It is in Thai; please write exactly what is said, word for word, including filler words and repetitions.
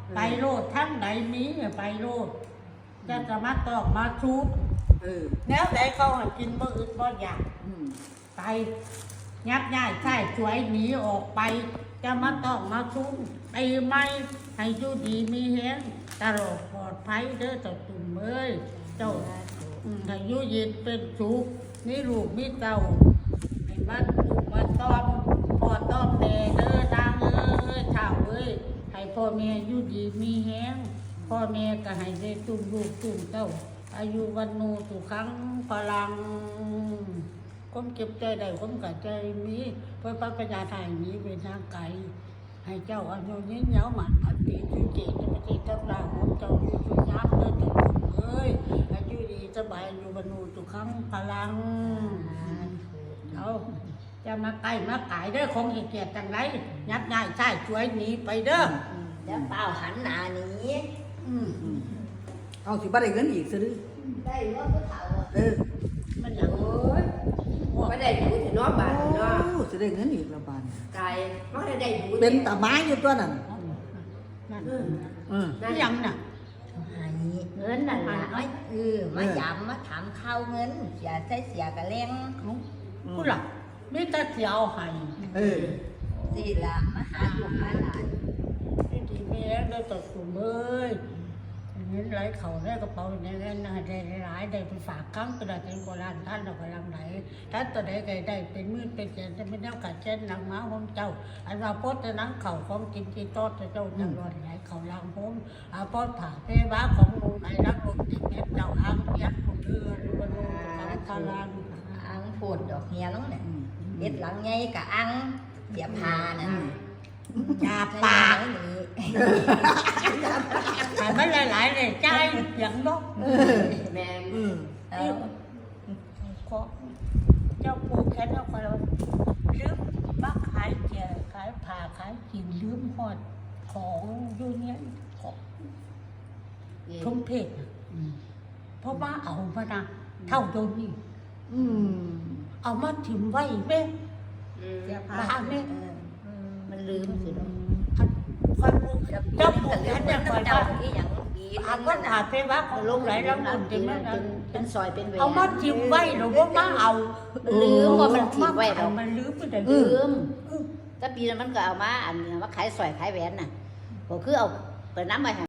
ไปโลดทั้งไหนมีไปโลดจะจะมาตอกมาชุดแล้วไหนเขาให้กินบ่อึดบ่อยากไปยับย่ายใช่ช่วยหนีออกไปจะมาต้องมาชุนไปไม่ให้อยู่ดีมีแฮงตลอดปลอดภัยเด้อเจ้าตุ่มเอ้ยเจ้าให้อยู่เย็นเป็นสุขนี่ลูกมีเจ้าให้มันลูกมาต้อมพ่อต้อมแม่เด้อนางเอ้ยเฒ่าเอ้ยให้พ่อแม่อยู่ดีมีแฮงพ่อแม่ก็ให้ได้ตุ่มลูกตุ่มเต้าอายุวันโนสุขังพลังก้มเก็บใจได้ก้มกับใจมีเพื่อปัญญาไทยมีเป็นทางไกลให้เจ้าอายุยืนยาวหมันพันปีจุเจตจะปฏิทับลาของเจ้าอยู่จุยักษ์เดินจุเอ้ยอายุดีสบายอยู่บรรลุสุขังพลังเอาจะมาไกลมาไก่เด้อคงเหตุเกียรติจังไรยับย่ายใช่ช่วยหนีไปเด้อแล้วเปล่าหันหน้าหนีเอาสิบ่ได้เงินอีกซื้อได้ว่าผู้เฒ่าเออมันอย่างโอ้ยไม่ได้ดูถึงน้องบ้านเนาะสิได้เงินอีกละบาทไก่ไม่ได้ได้ดูเป็นตาไม้อยู่ตัวนั้นนั่นเออนั่นยังน่ะเงินนั่นล่ะเออมาย้ำมาถามข้าวเงินเสียใช้เสียกระเล้งผู้หลักมีแต่เสียเอาให้เออสิละมาหาลูกหาหลานที่ที่แม่ได้ตัดสูงเอ้ยเงินไหลเข่าได้กระเป๋าในเงินได้หลายได้ไปฝากครั้งตัวได้เป็นโบราณท่านเรากำลังไหนท่านตัวใดใดได้เป็นมือเป็นเจนจะไม่ได้กัดเช่นนางม้าของเจ้าอันว่าโพสต์นังเข่าของกินที่โต๊ะเจ้าจังหวัดไหนเข่าลางผมอาโพสต์ผ่าเพบ้าของลุงไหนรักลุงติดเน็ตเจ้าอ้างยักษ์ของเรือหรือว่าลุงของคาลางอ้างพูดดอกเฮียน้องเนี่ยเด็ดหลังไงกับอ้างเสียพานะยาปากหายไม่หลายๆเลยใจอย่างนกแม่เออขอเจ้าปูแค่เจ้าคนเราลืมบ้าขายเจียขายผ่าขายกินลืมหอดของอยู่เนี้ยของชมเพชรเพราะว่าเอามานะเท่าโดนนี่เอามาถิ่มไว้แม่บ้านเนี่ยมันลืมสิเนาะคอยปูเจ้าปูแค่เนี่ยคอยว่าอาก็ผ่าเพว่าของลงไหลแล้วมันจริงไหมเป็นซอยเป็นเวเอามาจิ้มไว้หรือว่ามาเอาลืมว่ามันจิ้มไว้เรามันลืมไปแต่ลืมแต่ปีนั้นมันก็เอามาอันนี้มาขายซอยขายแหวนน่ะก็คือเอาเปิดน้ำไป